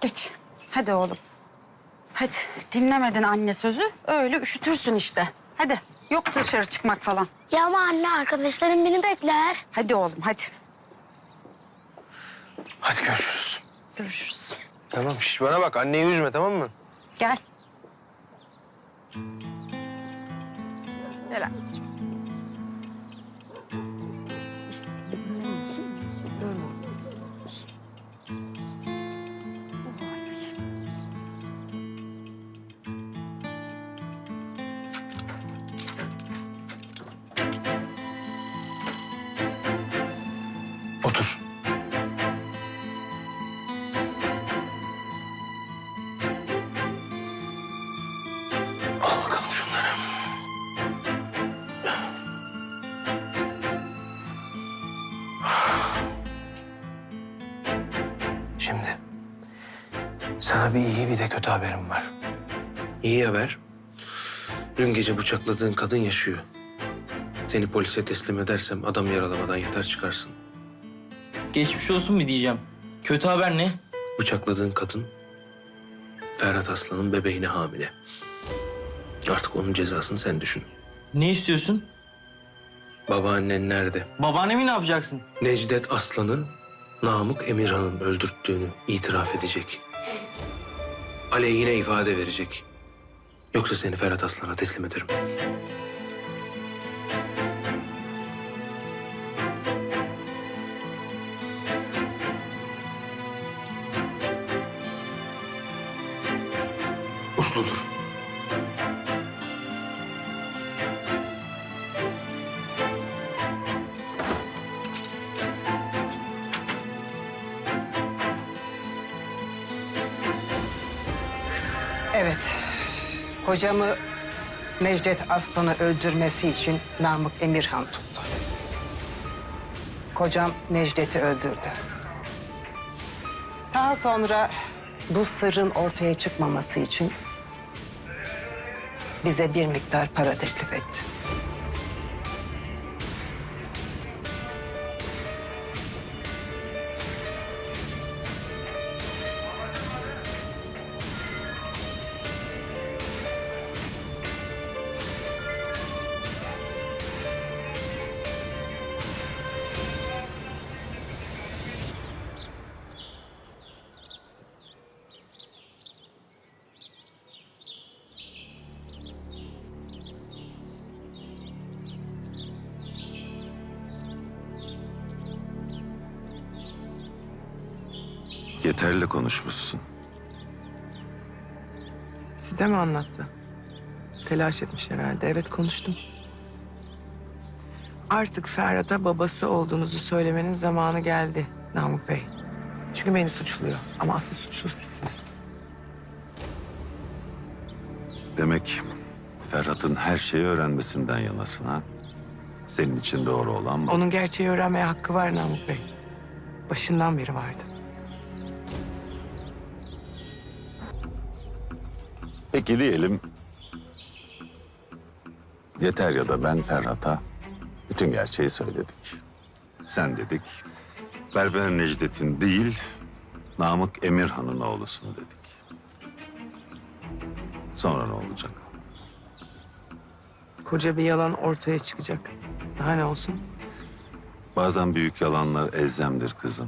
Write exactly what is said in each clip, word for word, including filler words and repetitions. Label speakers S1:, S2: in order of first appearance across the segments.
S1: Geç. Hadi oğlum. Hadi. Dinlemedin anne sözü. Öyle üşütürsün işte. Hadi. Yok dışarı çıkmak falan.
S2: Ya ama anne arkadaşlarım beni bekler.
S1: Hadi oğlum hadi.
S3: Hadi görüşürüz.
S1: Görüşürüz.
S3: Tamam şiş bana bak anneyi üzme tamam mı?
S1: Gel. Gel anneciğim. İşte dinlemiyorsun. Böyle olmak istiyorsun. Ay.
S3: Otur. Al bakalım şunları. Şimdi sana bir iyi bir de kötü haberim var. İyi haber. Dün gece bıçakladığın kadın yaşıyor. Seni polise teslim edersem adam yaralamadan yeter çıkarsın.
S4: Geçmiş olsun mu diyeceğim? Kötü haber ne?
S3: Bıçakladığın kadın Ferhat Aslan'ın bebeğine hamile. Artık onun cezasını sen düşün.
S4: Ne istiyorsun?
S3: Babaannen nerede?
S4: Babaannemi ne yapacaksın?
S3: Necdet Aslan'ı Namık Emirhan'ın öldürttüğünü itiraf edecek. Aleyhine ifade verecek. Yoksa seni Ferhat Aslan'a teslim ederim. Usludur.
S5: Evet. Kocamı Necdet Aslan'ı öldürmesi için Namık Emirhan tuttu. Kocam Necdet'i öldürdü. Daha sonra bu sırrın ortaya çıkmaması için bize bir miktar para teklif etti.
S6: Yeterli konuşmuşsun.
S7: Size mi anlattı? Telaş etmiş herhalde. Evet konuştum. Artık Ferhat'a babası olduğunuzu söylemenin zamanı geldi Namık Bey. Çünkü beni suçluyor ama asıl suçlu sizsiniz.
S6: Demek Ferhat'ın her şeyi öğrenmesinden yanasın ha? Senin için doğru olan bu.
S7: Onun gerçeği öğrenmeye hakkı var Namık Bey. Başından beri vardı.
S6: Peki diyelim... Yeter ya da ben Ferhat'a bütün gerçeği söyledik. Sen dedik, Berber Necdet'in değil, Namık Emirhan'ın oğlusun dedik. Sonra ne olacak?
S7: Koca bir yalan ortaya çıkacak. Daha ne olsun?
S6: Bazen büyük yalanlar elzemdir kızım.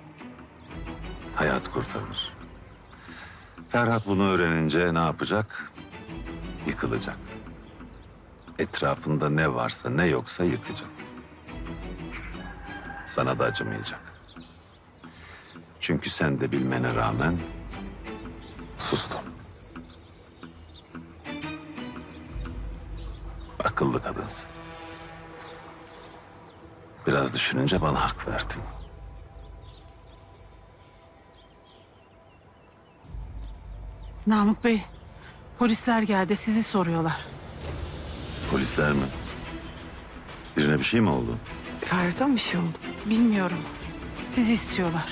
S6: Hayat kurtarır. Ferhat bunu öğrenince ne yapacak? Yıkılacak. Etrafında ne varsa ne yoksa yıkacak. Sana da acımayacak. Çünkü sen de bilmene rağmen sustun. Akıllı kadınsın. Biraz düşününce bana hak verdin.
S8: Namık Bey, polisler geldi. Sizi soruyorlar.
S6: Polisler mi? Birine bir şey mi oldu?
S7: Ferhat'a mı bir şey oldu?
S8: Bilmiyorum. Sizi istiyorlar.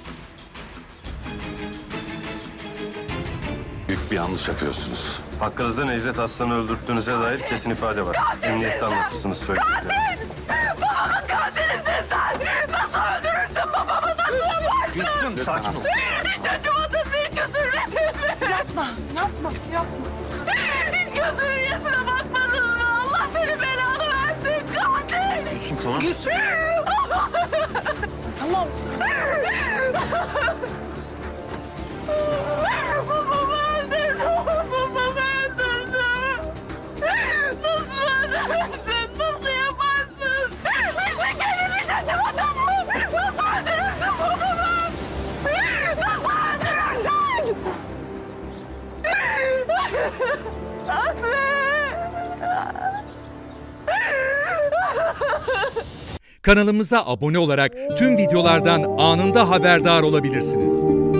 S6: Büyük bir yanlış yapıyorsunuz.
S9: Hakkınızda Necdet Aslan'ı öldürttüğünüze dair kesin ifade var. Emniyette anlatırsınız söylediklerini.
S2: Babamın katilisin sen. Nasıl öldürürsün babamı? Nasıl yaparsın?
S3: Gülsüm sakin ol.
S2: Hiç acımadın mı? Hiç götürmedin mi?
S7: Yapma, yapma, yapma.
S2: Hiç gözünün yaşına bakmadın mı? Allah seni belanı versin katil.
S3: Gülsüm tamam.
S7: Gülsüm. Tamam.
S2: Babamı öldürdü. Babamı öldürdü. Nasıl öldürürsün? Nasıl yaparsın? Bizi kendini hiç acımadın mı? Nasıl öldürürsün babamı? Nasıl öldürürsün? Anne!
S10: Kanalımıza abone olarak tüm videolardan anında haberdar olabilirsiniz.